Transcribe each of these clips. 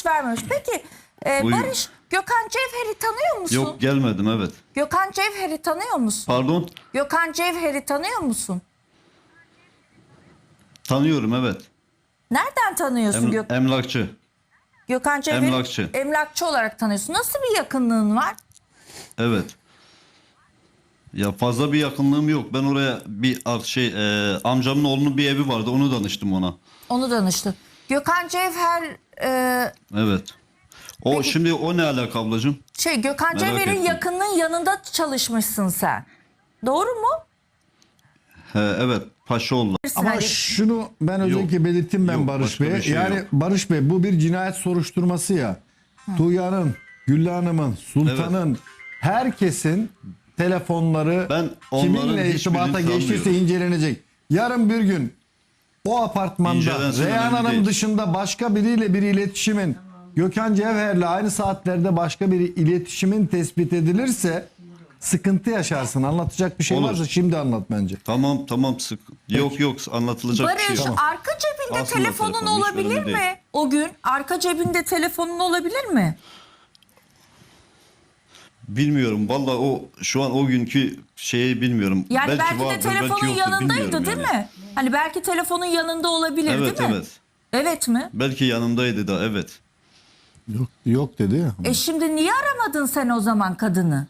vermemiş. Peki Buyur. Barış, Gökhan Cevher'i tanıyor musun? Yok, gelmedim, evet. Gökhan Cevher'i tanıyor musun? Pardon? Gökhan Cevher'i tanıyor musun? Tanıyorum, evet. Nereden tanıyorsun Emlakçı. Gökhan Cevher'i? Emlakçı. Emlakçı olarak tanıyorsun. Nasıl bir yakınlığın var? Evet. Ya fazla bir yakınlığım yok. Ben oraya bir amcamın oğlunun bir evi vardı. Onu danıştım ona. Onu danıştın. Gökhan Cevher Evet. Peki- Şimdi o ne alaka ablacığım? Gökhan Merak Cevher'in ettim. yakınının yanında çalışmışsın sen. Doğru mu? Evet. Paşaoğlu. Ama Hani- şunu ben özellikle belirttim ben Yok, Barış başka Bey. bir şey Yani yok. Barış Bey, bu bir cinayet soruşturması ya. Tuğya'nın, Güllü Hanım'ın, Sultan'ın, herkesin telefonları Ben onların kiminle irtibata hiçbirini geçtiyse sanmıyorum. incelenecek. Yarın bir gün o apartmanda İncelensin, Reyhan önemli Hanım değil. dışında başka biriyle bir iletişimin, Gökhan Cevher'le aynı saatlerde başka bir iletişimin tespit edilirse sıkıntı yaşarsın. Anlatacak bir şey Olur. varsa şimdi anlat bence. Tamam, sık. Yok, anlatılacak bir şey Barış, yok. arka cebinde Aslında telefonun telefon hiç olabilir önemli mi? değil. O gün arka cebinde telefonun olabilir mi? Bilmiyorum. Vallahi şu an o günkü şeyi bilmiyorum. Yani belki de vardır, telefonun belki yoktur, yanındaydı bilmiyorum değil yani. mi? Hani belki telefonun yanında olabilir Evet, değil mi? evet. Evet mi? Belki yanımdaydı da, evet. Yok dedi ya. Şimdi niye aramadın sen o zaman kadını?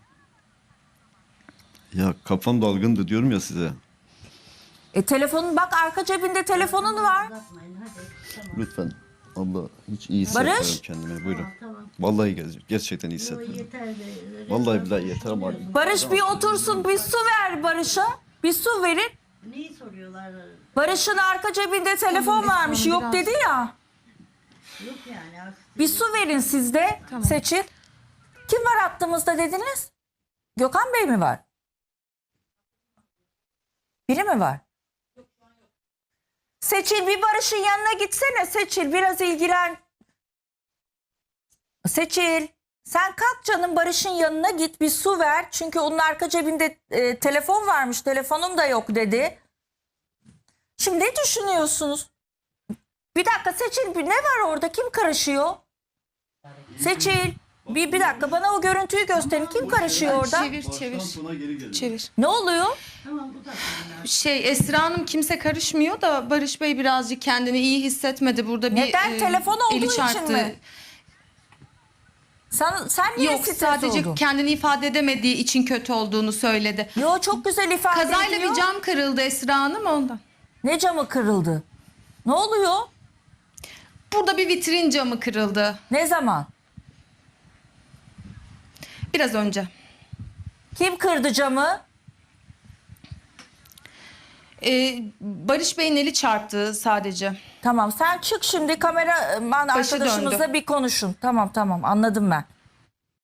Ya kafam dalgındı diyorum ya size. Telefonun bak, arka cebinde telefonun var. Lütfen. Allah, hiç iyi Barış? hissetmiyorum kendimi. Buyurun. Vallahi gerçekten iyi hissetmiyorum. Vallahi billahi yeter ama. Barış bir otursun, bir su ver Barış'a. Bir su verin. Neyi soruyorlar? Barış'ın arka cebinde telefon varmış, yok dedi ya. Yok yani. Bir su verin siz de. Seçin. Kim var hattımızda dediniz? Gökhan Bey mi var? Biri mi var? Seçil, bir Barış'ın yanına gitsene Seçil, biraz ilgilen. Seçil, sen kalk canım, Barış'ın yanına git, bir su ver. Çünkü onun arka cebinde telefon varmış, telefonum da yok dedi. Şimdi ne düşünüyorsunuz? Bir dakika Seçil, ne var orada, kim karışıyor? Seçil, bir dakika bana o görüntüyü gösterin, kim karışıyor orada? Çevir. Ne oluyor? Esra Hanım, kimse karışmıyor da Barış Bey birazcık kendini iyi hissetmedi. Burada bir Neden? Telefon olduğu eli için çarptı. mi? Sen niye Yok, stres sadece oldun? kendini ifade edemediği için kötü olduğunu söyledi. Yo, çok güzel ifade Kazayla ediyor. bir cam kırıldı Esra Hanım, ondan. Ne camı kırıldı? Ne oluyor? Burada bir vitrin camı kırıldı Ne zaman? biraz önce. Kim kırdı camı? Barış Bey'in eli çarptı sadece. Tamam, sen çık şimdi, kameraman Başı arkadaşımızla döndü. bir konuşun. Tamam anladım ben.